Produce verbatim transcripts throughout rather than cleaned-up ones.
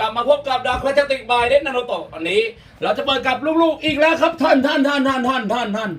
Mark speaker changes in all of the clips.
Speaker 1: ลับมาพบกับดาร์คแคลติกบายเดนนาโนโตะวันนี้เราจะเปิดกับลูกๆอีกแล้วครับท่านท่านท่านท่านท่านท่านท่าน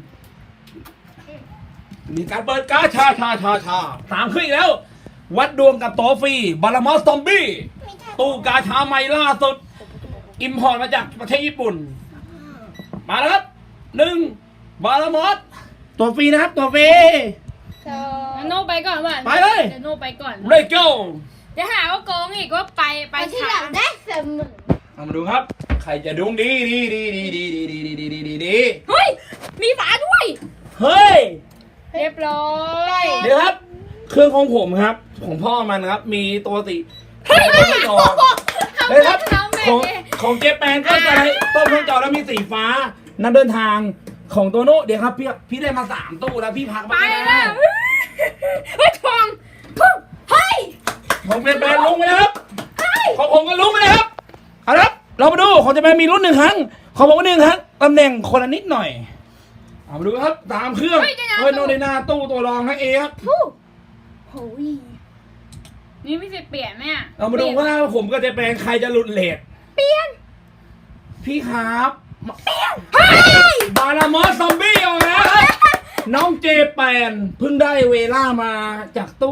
Speaker 1: มีการเปิดการชาชาชาชาตามขึ้นอีกแล้ว วัดดวงกับโตฟรีบารามอสซอมบี้ตู้กาชาใหม่ล่าสุดอิมพอร์ตมาจากประเทศญี่ปุ่นมาแล้วครับหนึ่งบารามอสตัวฟรีนะครับตัวฟรี
Speaker 2: โน่ไปก่อนว่ะ
Speaker 1: ไปเลย
Speaker 2: เดี๋ยวโน่ไปก่อน
Speaker 1: เลโก้
Speaker 2: จะหาว่าโกงอีกว่าไปไป
Speaker 3: ไปที่
Speaker 2: ช้า
Speaker 3: หลังได้เสมอ
Speaker 1: เอามาดูครับใครจะดวงดีดีดีดีดีดีดีดีดีดีดีดี
Speaker 2: เฮ้ยมีฝาด้วย
Speaker 1: เฮ้ย
Speaker 2: เรียบร้อย
Speaker 1: เดี๋ยวครับ เครื่องของผมครับ ของพ่อมันครับ มีตัวติเฮ้ยต้นจอเฮ้ยครับของของเจแปนก็จะให้ต้นเครื่องจอแล้วมีสีฟ้านั่นเดินทางของโตโน่เดี๋ยวครับพี่พี่ได้มาสามตู้แล้วพี่พัก
Speaker 2: ไป
Speaker 1: มา
Speaker 2: แล้วเฮ้ยทองเฮ้ย
Speaker 1: ของเจแปนลงไปแล้วครับของผมก็ลงไปแล้วครับเอาละครับเรามาดูของเจแปนมีรุ่นหนึ่งครั้งของผมก็หนึ่งครั้งตำแหน่งคนละนิดหน่อยเอามาดูครับตามเครื่องเฮ้ยโน่ในหน้าตู้ตัวรองให้เอครับ
Speaker 3: โอ้ย
Speaker 2: นี่ไม่ใช่เปลี่ยนแม่
Speaker 1: เรามาดูว่าผมกับเจแปนใครจะหลุดเลทเปลี่ยนพี่ครับเปลี่ยนบารามอสซอมบี้ออกแล้วครับน้องเจแปนเพิ่งได้เวล่ามาจากตู้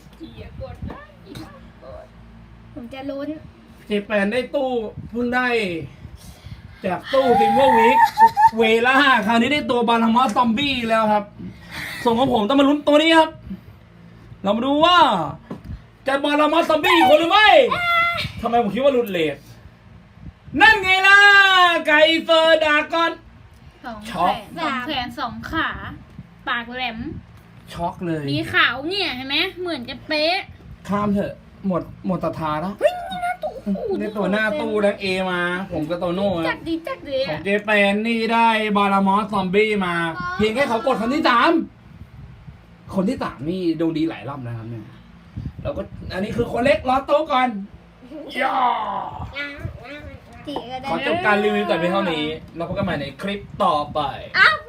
Speaker 3: ผมจะลุ้น
Speaker 1: เจแปนได้ตู้เพิ่งได้ จากตู้ซิมเวอร์วิกเวล่าคราวนี้ได้ตัวบารามอสซอมบี้แล้วครับ ส่งของผมต้องมาลุ้นตัวนี้ครับ เรามาดูว่าจะบารามอสซอมบี้อีกคนหรือไม่ทำไมผมคิดว่าหลุดเลทนั่นไงล่ะไก่เฟอร์ดากอน
Speaker 2: สอง
Speaker 1: ช็
Speaker 2: แข
Speaker 1: อก
Speaker 2: นสองแขนสองขา ปากแหลม
Speaker 1: ช็อกเลย
Speaker 2: มีขาวเนี่ยเห็นไหมเหมือนจะเป๊ะ
Speaker 1: ข้ามเถอะ หมดหมดศรัทธาแล้ว
Speaker 2: เฮ้ยนี่หน้าตู้
Speaker 1: ได้ตัวหน้าตู้แลงเอมา ผมกับโตโน่ค
Speaker 2: จั
Speaker 1: รั
Speaker 2: ด
Speaker 1: บ
Speaker 2: ดีจัดดี
Speaker 1: ของเจแปนนี่ได้บารามอสซอมบี้มา เพียงแค่เขากดคนที่สามคนที่สามนี่ดวงดีหลายรอบนะครับเนี่ยแล้วก็อันนี้คือคนเล็กรอโต๊ะก่อนย่อ
Speaker 3: จีก็ได้
Speaker 1: ขอจบการรีวิวแต่เพียงเท่านี้ เราพบกันใหม่ในคลิปต่อไป
Speaker 3: อ้าว